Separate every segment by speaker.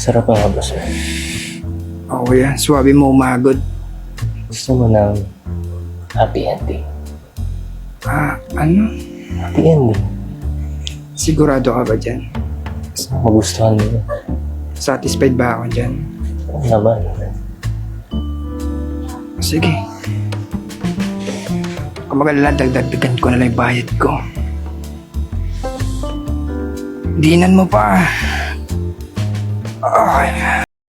Speaker 1: Sarap nga ba, sir?
Speaker 2: Oo yan, swabe mo umagod.
Speaker 1: Gusto mo ng happy ending?
Speaker 2: Ano?
Speaker 1: Happy ending?
Speaker 2: Sigurado ka ba dyan?
Speaker 1: Gusto mo magustuhan mo yun?
Speaker 2: Satisfied ba ako dyan?
Speaker 1: Oo naman.
Speaker 2: Sige. Kung magalala, dagdagan ko na lang yung bayad ko. Dinan mo pa. Okay.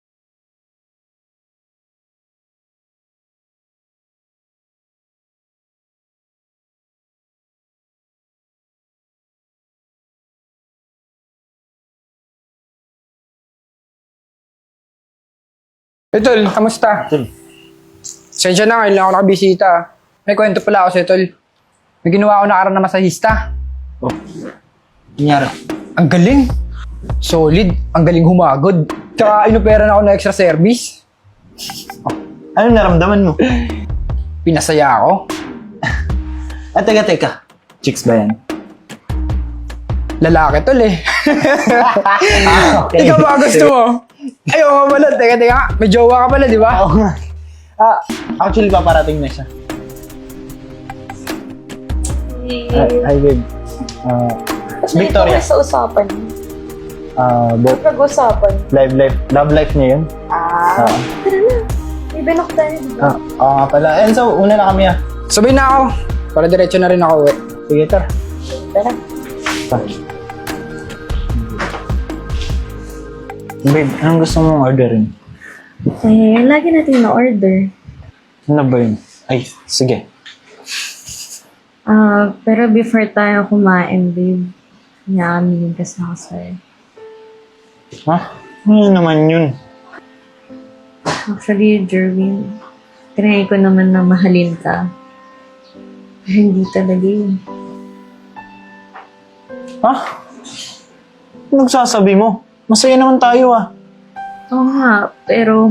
Speaker 2: Tol, kamusta?
Speaker 1: Tol.
Speaker 2: Sensya na, ngayon lang ako nakabisita. May kwento pala ako sa'yo, Tol. May ginawa ako nakaraan na masahista.
Speaker 1: Oh. Nangyari?
Speaker 2: Ang galing. Solid. Ang galing humagod. Tsaka inuperan ako ng extra service.
Speaker 1: Anong naramdaman mo?
Speaker 2: Pinasaya ako.
Speaker 1: Teka. Chicks ba yan?
Speaker 2: Lalaki, Tol eh.
Speaker 1: Okay.
Speaker 2: Ikaw ba gusto mo? Ayaw ka pala. Teka. May jowa ka pala, di ba?
Speaker 1: Oo nga. Actually, paparating na siya. Hi, babe. Victoria.
Speaker 3: Sa usapan.
Speaker 1: Pag-usapan. Love life niya yun.
Speaker 3: Tara na. May benok tayo, di ba?
Speaker 1: Oo nga pala. Enzo, una na kami
Speaker 2: Sabay na ako. Para diretso na rin ako eh.
Speaker 1: Sige, tara.
Speaker 3: Tara.
Speaker 1: Babe, anong gusto mong orderin?
Speaker 3: Lagi natin na-order.
Speaker 1: Ano ba yun? Ay, sige.
Speaker 3: Pero before tayo kumain, babe, naaminin ka sa ako sa'yo.
Speaker 1: Ha? Ano naman yun?
Speaker 3: Actually, Jerwin, trinay ko naman na mahalin ka. Pero hindi talaga yun.
Speaker 1: Ha? Anong sasabi mo? Masaya naman tayo
Speaker 3: Oo nga, pero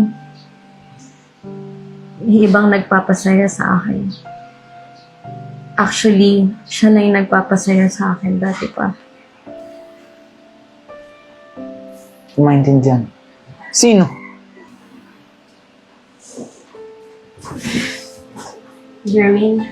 Speaker 3: may ibang nagpapasaya sa akin. Actually, siya lang yung nagpapasaya sa akin dati pa.
Speaker 1: Maintindihan. Sino?
Speaker 3: Jerwin,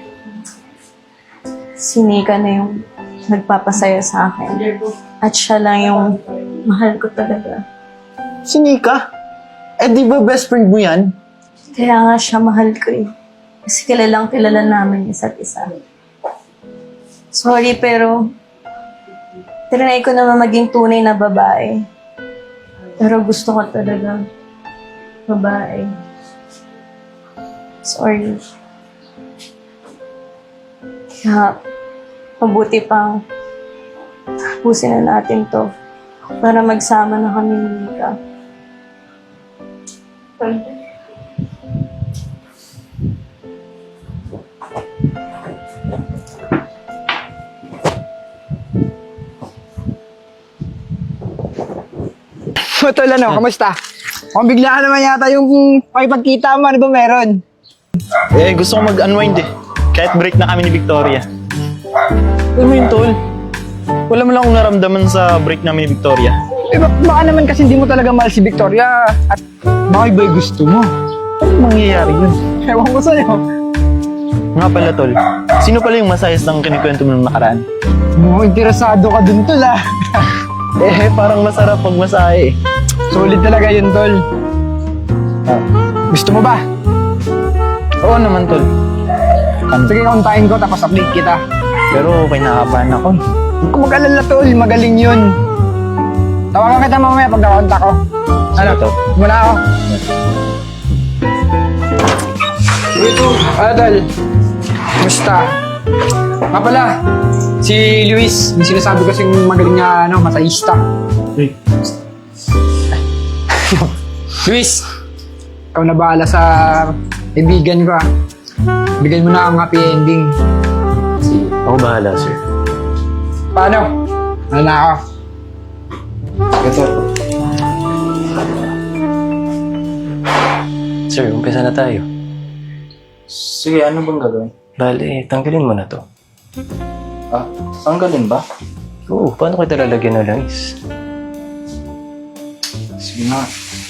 Speaker 3: si Nika na yung nagpapasaya sa akin. At siya lang yung mahal ko talaga.
Speaker 1: Si Nika? Di ba best friend mo yan?
Speaker 3: Kaya nga siya mahal ko eh. Kasi kilalang kilala namin isa't isa. Sorry pero tinry ko naman maging tunay na babae. Pero gusto ko talaga babae. Sorry. Kaya mabuti pang tapusin na natin to para magsama na kami ni Nika.
Speaker 2: Tol, ano? Kamusta? Kung biglaan naman yata yung pakipagkita mo, ano ba meron?
Speaker 1: Gusto ko mag-unwind Kahit break na kami ni Victoria. Alam mo yun, Tol? Wala mo lang akong naramdaman sa break namin ni Victoria.
Speaker 2: Baka naman kasi hindi mo talaga mahal si Victoria at baka iba yung gusto mo.
Speaker 1: Ano mangyayari yun?
Speaker 2: Ewan ko sa'yo.
Speaker 1: Nga pala, Tol. Sino pala yung masayas ng kinikwento mo nung nakaraan?
Speaker 2: Mukhang interesado ka dun, Tol ah.
Speaker 1: Parang masarap pag masahe
Speaker 2: Solid talaga yun, Tol. Gusto mo ba?
Speaker 1: Oo naman, Tol.
Speaker 2: Sige, kontahin ko tapos update kita.
Speaker 1: Pero kinakabahan ako
Speaker 2: Huwag ka mag-alala, Tol. Magaling yun. Tawagan kita mamaya pag nakontak ko. Ano?
Speaker 1: Tol.
Speaker 2: Muna ako. Tol. Kumusta? Nga pala, si Luis, yung sinasabi ko siyang magaling na masahista.
Speaker 1: Hey.
Speaker 2: Luis, ikaw na bahala sa kaibigan ko. Bigyan mo na ang happy ending.
Speaker 1: Ako bahala, sir.
Speaker 2: Paano? Ano na ako?
Speaker 1: Ito. Sir, umpisa na tayo. Sige, ano bang gagawin? Bale, tanggalin mo na to. Tanggalin ba? Oo, paano kita lalagyan ng langis?
Speaker 2: Sige nga.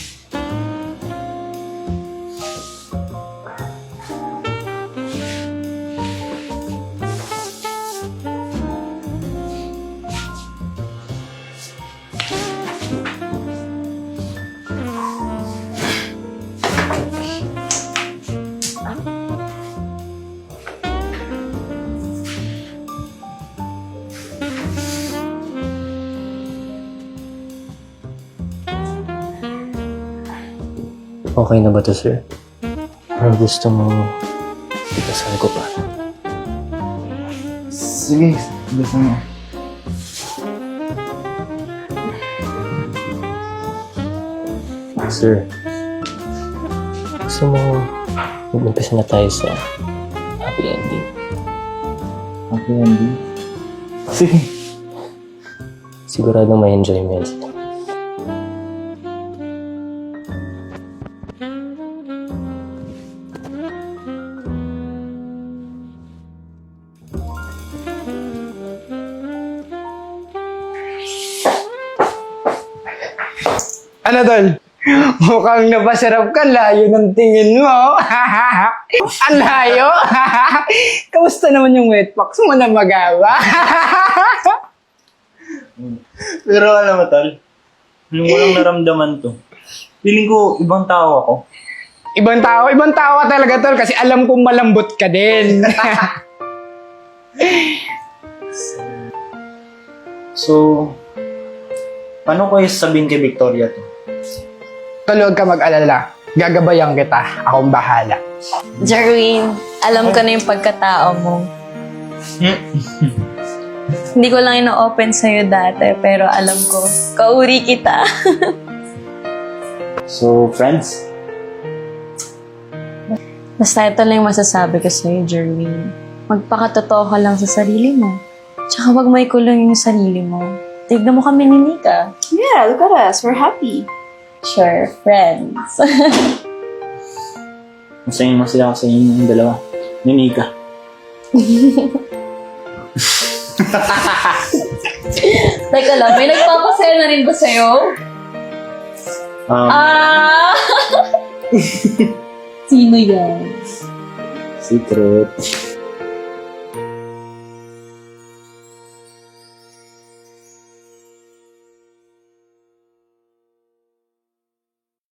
Speaker 4: Okay na ba to, sir? Parang gusto mo ipasal ko pa.
Speaker 1: Sige, gusto mo.
Speaker 4: Sir, gusto mo mag-umpisa na tayo sa happy ending.
Speaker 1: Happy ending? Sige.
Speaker 4: Siguradong may enjoyment.
Speaker 2: Ano, tol? Mukhang napasarap ka, layo ng tingin mo. Ang layo. Kamusta naman yung wetbox mo na magawa?
Speaker 1: Pero alam mo, Tal, nung walang naramdaman to, feeling ko ibang tao ako.
Speaker 2: Ibang tao ka talaga, tol, kasi alam kong malambot ka din.
Speaker 1: So, paano ko sabihin kay Victoria to?
Speaker 2: Tol, huwag ka mag-alala. Gagabayan kita. Akong bahala.
Speaker 3: Jerwin, alam ko na yung pagkatao mo. Hindi ko lang ino-open sa'yo dati, pero alam ko, kauri kita.
Speaker 1: So, friends?
Speaker 3: Basta ito lang yung masasabi ko sa'yo, Jerwin. Magpakatotoo ka lang sa sarili mo. Tsaka wag may kulong yung sarili mo. Tignan mo kami ni Nika.
Speaker 5: Yeah, look at us. We're happy.
Speaker 3: Sure, friends.
Speaker 1: Masaya sa inyong dalawa. Ni Nika.
Speaker 3: Teka lang, may nagpapasaya na rin ba sa'yo? Ah! Sino yan?
Speaker 1: Secret.